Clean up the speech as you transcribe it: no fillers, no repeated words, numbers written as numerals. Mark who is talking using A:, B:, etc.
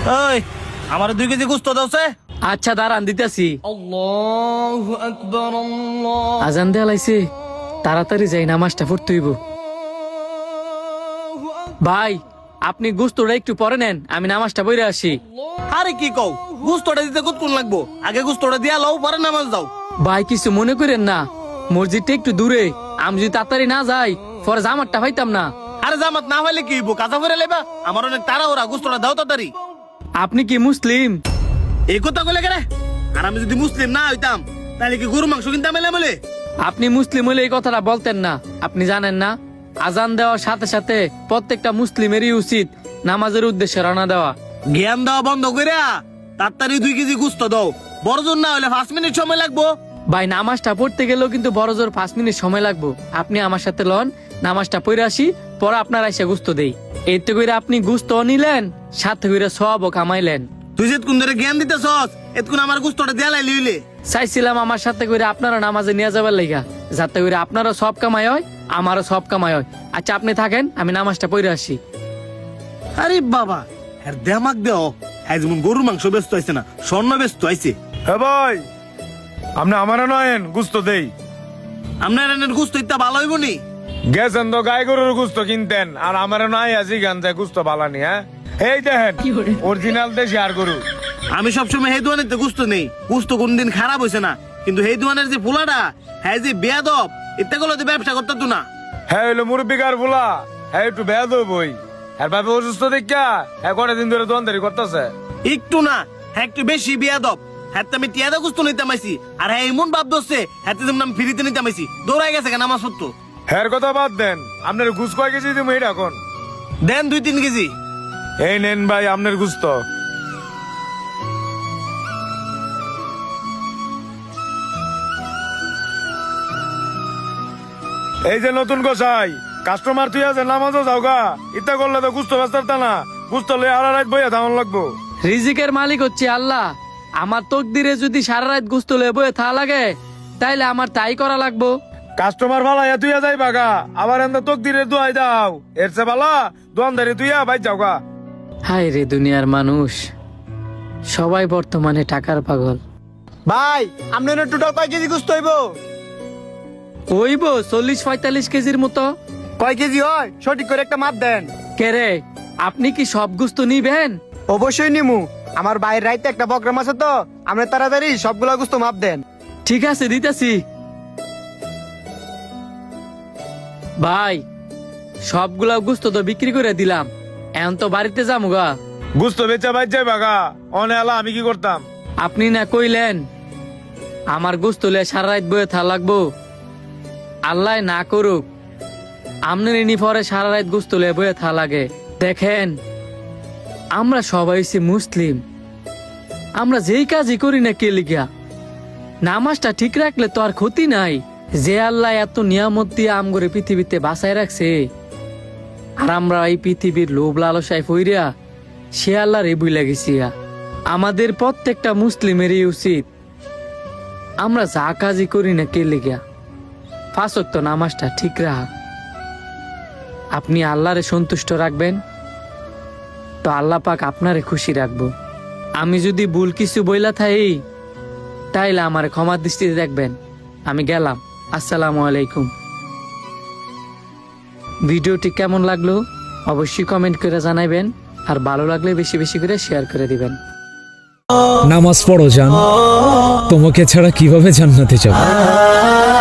A: ওই আমার 2 কেজি গোস্ত দাওছে।
B: আচ্ছা দাঁড়ান দিতেছি।
C: আল্লাহু আকবার আল্লাহ।
B: আজান দেয়া লাইছে, তাড়াতাড়ি যাই নামাজটা পড়তে হইব। ভাই আপনি গোস্তটা একটু পরে নেন, আমি নামাজটা পড়ে আসি।
A: আরে কি কও, গোস্তটা দিতে কতক্ষণ লাগবো? আগে গোস্তটা দিয়া লও, পরে নামাজ দাও।
B: ভাই কিছু মনে করেন না, মসজিদটা একটু দূরে, আমি যদি তাড়াতাড়ি না যাই পরে জামাতটা পাইতাম না।
A: আরে জামাত না হইলে কি হইব, কাঁচা ফেরে লেবা। আমার অনেক তাড়াহুড়া, গোস্তটা দাও তাড়াতাড়ি।
B: আপনি কি মুসলিম?
A: এই কথা কইলে কেন? আর আমি যদি মুসলিম না হইতাম তাহলে কি গরু মাংস কিনতাম এলে বলে?
B: আপনি মুসলিম হলে এই কথাটা বলতেন না। আপনি জানেন না, আজান দেওয়ার সাথে সাথে প্রত্যেকটা মুসলিমেরই উচিত নামাজের উদ্দেশ্যে রওনা দেওয়া।
A: জ্ঞান দেওয়া বন্ধ কইরা তাড়াতাড়ি 2 কেজি গোস্ত দাও। বড় জোর না হলে 5 মিনিট সময় লাগবো।
B: ভাই নামাজটা পড়তে গেলেও কিন্তু বড় জোর 5 মিনিট সময় লাগবো। আপনি আমার সাথে লন, নামাজটা পড়ে আসি, পরে আপনার এসে গুস্ত দেই। এতে করে আপনি গুস্ত নিলেন, সাথে করে সওয়াবও কামাইলেন।
A: তুই যেতক্ষণ ধরে জ্ঞান দিতেছস এতক্ষণ আমার গোস্তটা দেয়া লাইলি হইলে।
B: চাইছিলাম আমার সাথে করে আপনারা নামাজে নিয়ে যাবার লাইগা, যাতে করে আপনারও সব কামাই হয়, আমারও সব কামাই হয়। আচ্ছা আপনি থাকেন, আমি নামাজটা পড়ে আসি।
A: আরে বাবা, আর দেমাক দেও। হ্যাঁ যেমন গরুর মাংস ব্যস্ত আইছে না, স্বর্ণ ব্যস্ত আইছে।
D: হ্যাঁ ভাই, আপনি আমারে নয়েন গুস্ত দেই।
A: আপনার এনের গোস্ত ইত্যা ভালো হইব নি?
D: গেছেন তো গাই গরুর গুস্ত কিনতেন, আর আমারে নাই আজি গান যায় গুস্ত বালানি। হ্যাঁ এই দেখেন অরিজিনাল দেশি আর গরু।
A: আমি সবসময় সেই দোয়ানের গোস্ত নেই, গোস্ত কোনদিন খারাপ হয়েছে না। কিন্তু সেই দোয়ানের যে পোলাটা, হ্যাঁ যে বেয়াদব, ইত্যা গুলো ব্যবসা করতে তো না।
D: হ্যাঁ হইলো মুরব্বিকার ফুলা, হ্যাঁ একটু বেদ বই। আর ভাবে অসুস্থ দেখা হ্যাঁ কটা দিন ধরে দোয়ানদারি করতেছে।
A: একটু না, হ্যাঁ একটু বেশি বেয়াদব। হ্যাঁ আমি টিয়াদা গোস্ত নিতে মাইছি, আর হ্যাঁ এমন ভাব ধরছে হ্যাঁ যেমন আমি ফ্রিতে নিতে মাইছি। দৌড়াই গেছে কেন আমার সত্য।
D: হ্যাঁ কথা বাদ দেন, আপনার ঘুষ কয় কেজি দিব এটা এখন?
A: দেন 2-3 কেজি।
D: এই নেন ভাই আপনার গুস্ত। এই যে নতুন গোসাই কাস্টমার তুই আছে, নামাজও যাও গা। ইত্যা করলে তো গুস্ত ব্যস্তার না, গুস্ত লয়ে আর রাত বইয়া থামান লাগবো।
B: রিজিকের মালিক হচ্ছে আল্লাহ। আমার তকদিরে যদি সারা রাত গুস্ত লয়ে বয়ে থা লাগে, তাইলে আমার তাই করা লাগবো।
D: কাস্টমার ভালা তুইয়া যাই বাগা, আবার এন্দা তকদিরের দোয়াই দাও। এর চেয়ে ভালা দোয়ানদারি তুইয়া বাইর যাও গা।
B: হায় রে দুনিয়ার মানুষ, সবাই বর্তমানে টাকার পাগল।
E: ভাই আপনার টোটাল কয় কেজি গোস্ত হইব?
B: ওইব 40-45 কেজির মতো।
E: কয় কেজি হয় সঠিক করে একটা মাপ দেন।
B: কে রে, আপনি কি সব গুস্ত নিবেন?
E: অবশ্যই নিমু, আমার বাইরের রাইতে একটা প্রোগ্রাম আছে তো, আপনি তাড়াতাড়ি সবগুলা গোস্ত মাপ দেন।
B: ঠিক আছে দিতেছি। ভাই সবগুলা গুস্ত তো বিক্রি করে দিলাম, এখন তো বাড়িতে যাবো গা।
D: গুস্ত বেচা বাইর যাই বাগা, অনে আলা আমি কি করতাম?
B: আপনি না কইলেন আমার গোস্ত লয়ে সারা রাত বয়ে থা লাগবো। আল্লাহ না করুক আমনের ইনি পরে সারা রাত গোস্ত লয়ে বয়ে থা লাগে। দেখেন আমরা সবাই হইছি মুসলিম, আমরা যেই কাজই করি না কে লিগা, নামাজটা ঠিক রাখলে তো আর ক্ষতি নাই। যে আল্লাহ এত নিয়ামত দিয়ে আমগরে পৃথিবীতে বাঁচায় রাখছে, আর আমরা এই পৃথিবীর লোভ লালসায় ফইরা সে আল্লাহর এই বুইলা গেছি। আমাদের প্রত্যেকটা মুসলিমেরই উচিত আমরা যা কাজই করি না কে লিগা 5 ওয়াক্ত নামাজটা ঠিক রাখা। আপনি আল্লাহরে সন্তুষ্ট রাখবেন তো আল্লাহ পাক আপনারে খুশি রাখবো। আমি যদি ভুল কিছু বইলা থাই তাইলে আমার ক্ষমার দৃষ্টিতে দেখবেন। আমি গেলাম, আসসালামু আলাইকুম। ভিডিওটি কেমন লাগলো অবশ্যই কমেন্ট করে জানাবেন, আর ভালো লাগলে বেশি বেশি করে শেয়ার করে দিবেন।
F: নামাজ পড়ো জান, তোমাকে ছাড়া কিভাবে জান্নাতে যাব।